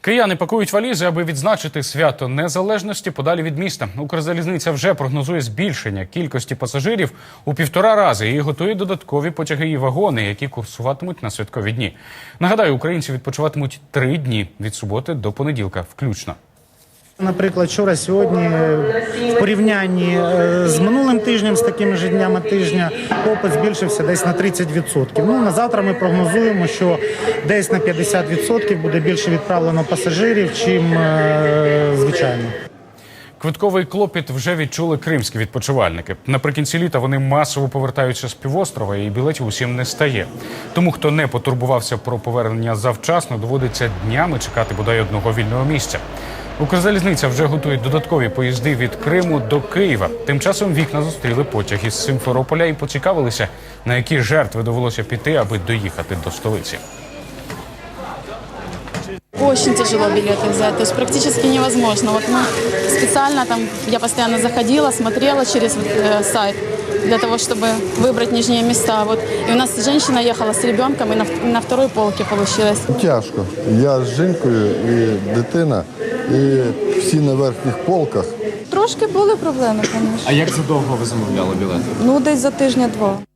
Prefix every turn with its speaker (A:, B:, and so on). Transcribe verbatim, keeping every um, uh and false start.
A: Кияни пакують валізи, аби відзначити свято Незалежності подалі від міста. Укрзалізниця вже прогнозує збільшення кількості пасажирів у півтора рази і готує додаткові потяги і вагони, які курсуватимуть на святкові дні. Нагадаю, українці відпочиватимуть три дні від суботи до понеділка включно.
B: Наприклад, вчора, сьогодні, в порівнянні з минулим тижнем, з такими ж днями тижня, попит збільшився десь на тридцять відсотків. Ну, на завтра ми прогнозуємо, що десь на п'ятдесят відсотків буде більше відправлено пасажирів, чим е, звичайно.
A: Квитковий клопіт вже відчули кримські відпочивальники. Наприкінці літа вони масово повертаються з півострова і білетів усім не стає. Тому, хто не потурбувався про повернення завчасно, доводиться днями чекати бодай одного вільного місця. Укрзалізниця вже готує додаткові поїзди від Криму до Києва. Тим часом вікна зустріли потяг із Симферополя і поцікавилися, на які жертви довелося піти, аби доїхати до столиці.
C: Очень тяжело билеты взять, то есть практически невозможно. Вот мы специально там, я постоянно заходила, смотрела через э, сайт для того, чтобы выбрать нижние места. Вот. И у нас женщина ехала с ребенком, и на, на второй полке получилось.
D: Тяжко. Я з жінкою і дитина, і всі на верхніх полках.
E: Трошки були проблеми, звісно.
F: А як задовго ви замовляли білети?
E: Ну, десь за тижня-два.